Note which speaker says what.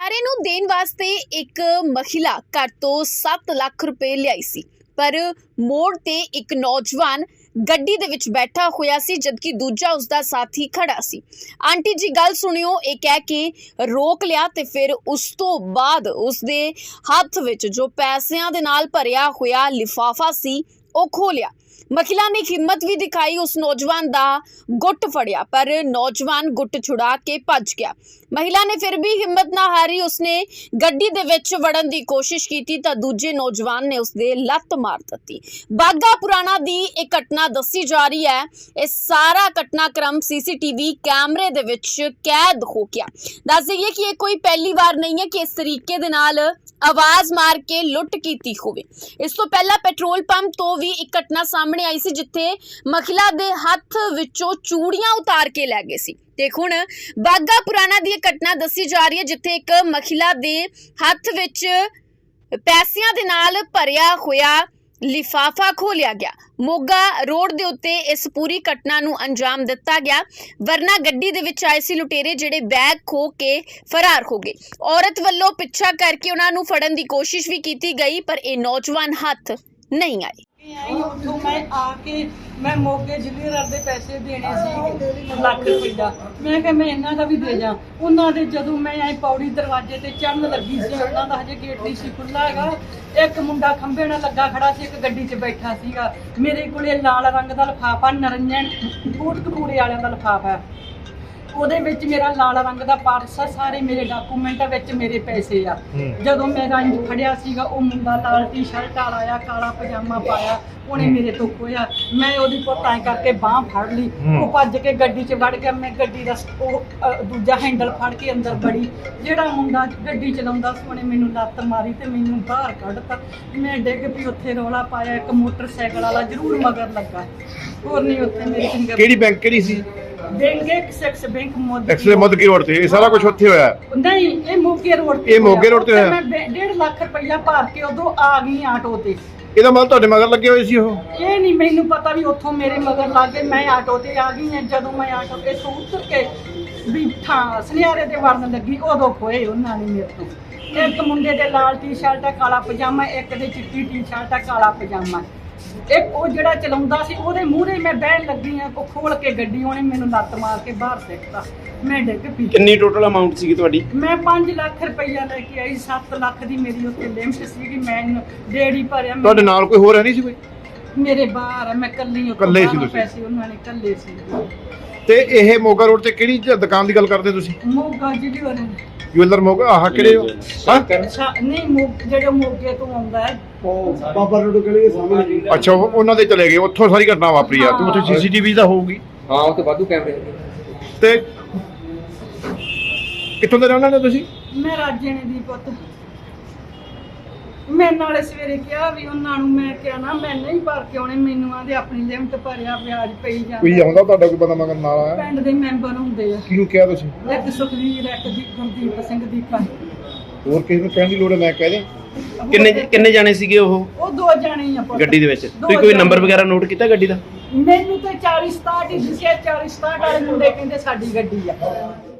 Speaker 1: ਸਾਰੇ ਨੂੰ ਦੇਣ ਵਾਸਤੇ ਇੱਕ ਮਹਿਲਾ ਘਰ ਤੋਂ 7 ਲੱਖ ਰੁਪਏ ਲਿਆਈ ਸੀ, ਪਰ ਮੋੜ ਤੇ ਇੱਕ ਨੌਜਵਾਨ ਗੱਡੀ ਦੇ ਵਿੱਚ ਬੈਠਾ ਹੋਇਆ ਸੀ, ਜਦਕਿ ਦੂਜਾ ਉਸਦਾ ਸਾਥੀ ਖੜਾ ਸੀ। ਆਂਟੀ ਜੀ ਗੱਲ ਸੁਣਿਓ, ਇਹ ਕਹਿ ਕੇ ਰੋਕ ਲਿਆ ਤੇ ਫਿਰ ਉਸ ਤੋਂ ਬਾਅਦ ਉਸਦੇ ਹੱਥ ਵਿੱਚ ਜੋ ਪੈਸਿਆਂ ਦੇ ਨਾਲ ਭਰਿਆ ਹੋਇਆ ਲਿਫਾਫਾ ਸੀ ਉਹ ਖੋਲਿਆ। महिला ने हिम्मत भी दिखाई, उस नौजवान दा गुट फड़िया, पर नौजवान गुट छुड़ा के भज गया। महिला ने फिर भी हिम्मत ना हारी, उसने गड्डी दे विच वड़न दी कोशिश की तां दूजे नौजवान ने उसदे लत्त मार दित्ती। बागा पुराना दी एक घटना दसी जा रही है। इस सारा घटनाक्रम सीसीटीवी कैमरे दे विच कैद हो गया। दस दईए कि ये कोई पहली बार नहीं है कि इस तरीके दे नाल आवाज मार के लुट कीती होवे। इस तो पहला पेट्रोल पंप तो भी एक घटना सामने आई सी, जिथे महिला दे हथ विचों चूड़ियां उतार के लै गए सी। ते हुण बागा पुराना दी घटना दसी जा रही है, जिथे एक महिला दे हथ विच पैसियां दे नाल भरिया होया लिफाफा खोलिया गया। मोगा रोड दे उत्ते इस पूरी घटना नूं अंजाम दिता गया, वरना गड्डी दे विच आए सी लुटेरे जिहड़े बैग खो के फरार हो गए। औरत वल्लों पिछा करके उन्हां नूं फड़न दी कोशिश भी की गई, पर ये नौजवान हथ नहीं आए।
Speaker 2: ਉੱਥੋਂ ਮੈਂ ਆ ਕੇ ਮੈਂ ਮੋਗੇ ਜ਼ਿਲ੍ਹੇਦਾਰ ਦੇ ਪੈਸੇ ਦੇਣੇ ਸੀ ਲੱਖ ਰੁਪਈਆ। ਮੈਂ ਕਿਹਾ ਮੈਂ ਇਹਨਾਂ ਦਾ ਵੀ ਦੇ ਜਾ। ਉਹਨਾਂ ਦੇ ਜਦੋਂ ਮੈਂ ਐ ਪੌੜੀ ਦਰਵਾਜ਼ੇ ਤੇ ਚੜਨ ਲੱਗੀ ਸੀ, ਉਹਨਾਂ ਦਾ ਹਜੇ ਗੇਟ ਨਹੀਂ ਸੀ ਖੁੱਲ੍ਹਾ ਹੈਗਾ। ਇੱਕ ਮੁੰਡਾ ਖੰਭੇ ਨਾਲ ਲੱਗਾ ਖੜਾ ਸੀ, ਇੱਕ ਗੱਡੀ 'ਚ ਬੈਠਾ ਸੀਗਾ। ਮੇਰੇ ਕੋਲੇ ਲਾਲ ਰੰਗ ਦਾ ਲਿਫਾਫਾ, ਨਰੰਜਨ ਕੋਟਕਪੂਰੇ ਵਾਲਿਆਂ ਦਾ ਲਿਫਾਫਾ, ਉਹਦੇ ਵਿੱਚ ਮੇਰਾ ਲਾਲ ਰੰਗ ਦਾ ਪਰਸ ਆ, ਸਾਰੇ ਮੇਰੇ ਡਾਕੂਮੈਂਟਾਂ ਵਿੱਚ ਮੇਰੇ ਪੈਸੇ ਆ। ਜਦੋਂ ਮੈਂ ਰੰਜ ਫੜਿਆ ਸੀਗਾ, ਉਹ ਮੁੰਡਾ ਲਾਲ ਟੀ-ਸ਼ਰਟ ਵਾਲਾ ਆ, ਕਾਲਾ ਪਜਾਮਾ ਪਾਇਆ, ਉਹਨੇ ਮੇਰੇ ਤੋਂ ਖੋਇਆ। ਮੈਂ ਉਹਦੀ ਪੁੱਤਾਂ ਕਰਕੇ ਬਾਂਹ ਫੜ ਲਈ, ਉਹ ਭੱਜ ਕੇ ਗੱਡੀ 'ਚ ਵੜ ਗਿਆ। ਮੈਂ ਗੱਡੀ ਦਾ ਉਹ ਦੂਜਾ ਹੈਂਡਲ ਫੜ ਕੇ ਅੰਦਰ ਵੜੀ। ਜਿਹੜਾ ਮੁੰਡਾ ਗੱਡੀ ਚਲਾਉਂਦਾ ਸੀ ਉਹਨੇ ਮੈਨੂੰ ਲੱਤ ਮਾਰੀ ਤੇ ਮੈਨੂੰ ਬਾਹਰ ਕੱਢਤਾ। ਮੈਂ ਡਿੱਗ ਪਈ, ਉੱਥੇ ਰੌਲਾ ਪਾਇਆ। ਇੱਕ ਮੋਟਰਸਾਈਕਲ ਵਾਲਾ ਜ਼ਰੂਰ ਮਗਰ ਲੱਗਾ, ਹੋਰ ਨਹੀਂ ਉੱਥੇ ਮੇਰੇ ਚੰਗੇ।
Speaker 3: ਕਿਹੜੀ ਬੈਂਕ ਕਿਹੜੀ ਸੀ?
Speaker 2: Bank Axis bank
Speaker 3: Modi road ਤੇ ਇਹ ਸਾਰਾ ਕੁਝ ਉੱਥੇ ਹੋਇਆ?
Speaker 2: ਨਹੀਂ, ਇਹ ਮੋਗੇ ਰੋਡ ਤੇ।
Speaker 3: ਇਹ ਮੋਗੇ ਰੋਡ ਤੇ ਹੋਇਆ।
Speaker 2: ਮੈਂ 1.5 ਲੱਖ ਰੁਪਈਆ ਭਰ ਕੇ ਉਦੋਂ ਆ ਗਈ ਆਟੋ ਤੇ।
Speaker 3: ਇਹਦਾ ਮਤਲਬ ਤੁਹਾਡੇ ਮਗਰ ਲੱਗੇ ਹੋਏ ਸੀ ਉਹ?
Speaker 2: ਇਹ ਨਹੀਂ ਮੈਨੂੰ ਪਤਾ ਵੀ ਉੱਥੋਂ ਮੇਰੇ ਮਗਰ ਲੱਗ ਗਏ। ਮੈਂ ਆਟੋ ਤੇ ਆ ਗਈ ਹਾਂ। ਜਦੋਂ ਮੈਂ ਆਟੋ ਤੇ ਤੋਂ ਉਤਰ ਕੇ ਵੀ ਸੁਨਿਆਰੇ ਤੇ ਵੜਨ ਲੱਗੀ, ਉਦੋਂ ਖੋਏ ਉਹਨਾਂ ਨੇ ਮੇਰੇ ਤੋਂ। ਇੱਕ ਮੁੰਡੇ ਦੇ ਲਾਲ ਟੀ-ਸ਼ਰਟ ਆ, ਕਾਲਾ ਪਜਾਮਾ, ਇੱਕ ਦੇ ਚਿੱਟੀ ਟੀ-ਸ਼ਰਟ ਆ, ਕਾਲਾ ਪਜਾਮਾ। ਇੱਕ ਉਹ ਜਿਹੜਾ ਚਲਾਉਂਦਾ ਸੀ ਉਹਦੇ ਮੂਹਰੇ ਮੈਂ ਬਹਿਣ ਲੱਗੀ ਆ, ਉਹ ਖੋਲ ਕੇ ਗੱਡੀ ਉਹਨੇ ਮੈਨੂੰ ਲੱਤ ਮਾਰ ਕੇ ਬਾਹਰ ਸਿੱਟਤਾ। ਮੈਂ ਡਿੱਗ ਪਈ।
Speaker 3: ਕਿੰਨੀ ਟੋਟਲ ਅਮਾਉਂਟ ਸੀਗੀ ਤੁਹਾਡੀ?
Speaker 2: ਮੈਂ 5 ਲੱਖ ਰੁਪਈਆ ਲੈ ਕੇ ਆਈ। 7 ਲੱਖ ਦੀ ਮੇਰੀ ਉੱਤੇ ਲਿਮਟ ਸੀਗੀ। ਮੈਂ ਡੇੜੀ ਭਰਿਆ।
Speaker 3: ਤੁਹਾਡੇ ਨਾਲ ਕੋਈ ਹੋਰ ਹੈ ਨਹੀਂ ਸੀ ਕੋਈ?
Speaker 2: ਮੇਰੇ ਬਾਹਰ ਆ, ਮੈਂ ਕੱਲੀ
Speaker 3: ਇਕੱਲੇ ਸੀ ਤੁਸੀਂ? ਪੈਸੇ
Speaker 2: ਉਹਨਾਂ ਨੇ ਕੱਲੇ ਸੀ।
Speaker 3: ਤੇ ਇਹ ਮੋਗਾ ਰੋਡ ਤੇ ਕਿਹੜੀ ਦੁਕਾਨ ਦੀ ਗੱਲ ਕਰਦੇ ਤੁਸੀਂ?
Speaker 2: ਮੋਗਾ ਜ਼ਿਲ੍ਹੇ
Speaker 3: ਜੁਐਲਰ ਮੋਗਾ। ਆਹ ਕਿਹੜੇ ਹੋ?
Speaker 2: ਨਹੀਂ, ਜਿਹੜੇ ਮੋਗੇ ਤੋਂ ਆਉਂਦਾ ਹੈ
Speaker 4: ਉਹ ਬਾਬਾ ਰੋਡ ਗਲੀ ਦੇ ਸਾਹਮਣੇ।
Speaker 3: ਅੱਛਾ, ਉਹਨਾਂ ਦੇ ਚਲੇ ਗਏ, ਉੱਥੋਂ ਸਾਰੀ ਘਟਨਾ ਵਾਪਰੀ ਆ। ਤੇ ਉੱਥੇ ਸੀਸੀਟੀਵੀ ਤਾਂ ਹੋਊਗੀ?
Speaker 4: ਹਾਂ, ਉੱਥੇ ਵਾਧੂ ਕੈਮਰੇ।
Speaker 3: ਤੇ ਕਿੱਥੋਂ ਦੇ ਰਹਿਣ ਵਾਲੇ ਹੋ ਤੁਸੀਂ?
Speaker 2: ਮੈਂ ਰਾਜੇ ਨੇ ਦੀ ਪੁੱਤ। ਮੈਂ ਨਾਲੇ ਸਵੇਰੇ ਕਿਹਾ ਵੀ ਉਹਨਾਂ ਨੂੰ, ਮੈਂ ਕਿਹਾ ਨਾ ਮੈਂ ਨਹੀਂ ਭਰ ਕੇ ਆਉਣੇ, ਮੈਨੂੰ ਆਂਦੇ ਆਪਣੀ ਲਿਮਟ ਭਰਿਆ, ਵਿਆਜ ਪਈ ਜਾਂਦਾ।
Speaker 3: ਕੋਈ ਆਉਂਦਾ ਤੁਹਾਡਾ ਕੋਈ ਬੰਦਾ ਮਗਰ ਨਾਲ ਆਇਆ?
Speaker 2: ਪਿੰਡ ਦੇ ਮੈਂਬਰ ਹੁੰਦੇ ਆ।
Speaker 3: ਕਿਹਨੂੰ ਕਿਹਾ ਤੁਸੀਂ?
Speaker 2: ਇੱਕ ਸੁਖਵੀਰ, ਇੱਕ ਦੀ ਗੁਰਦੀਪ ਸਿੰਘ ਦੀਪਾ।
Speaker 3: ਹੋਰ ਕਿਸੇ ਨੂੰ ਕਹਿਣ ਦੀ ਲੋੜ ਹੈ? ਮੈਂ ਕਹਿ ਦਿਆਂ।
Speaker 5: ਕਿੰਨੇ ਜਾਣੇ ਸੀਗੇ ਉਹ
Speaker 2: ਦੋ ਜਾਣੇ ਹੀ ਆ ਪੁੱਤ।
Speaker 5: ਗੱਡੀ ਦੇ ਵਿੱਚ? ਤੁਸੀਂ ਕੋਈ ਨੰਬਰ ਵਗੈਰਾ ਨੋਟ ਕੀਤਾ ਗੱਡੀ ਦਾ?
Speaker 2: ਮੈਨੂੰ ਤਾਂ 40-67 ਹੀ ਦਿਸਿਆ। 40-67 ਵਾਲੇ ਮੁੰਡੇ ਕਹਿੰਦੇ ਸਾਡੀ ਗੱਡੀ ਆ।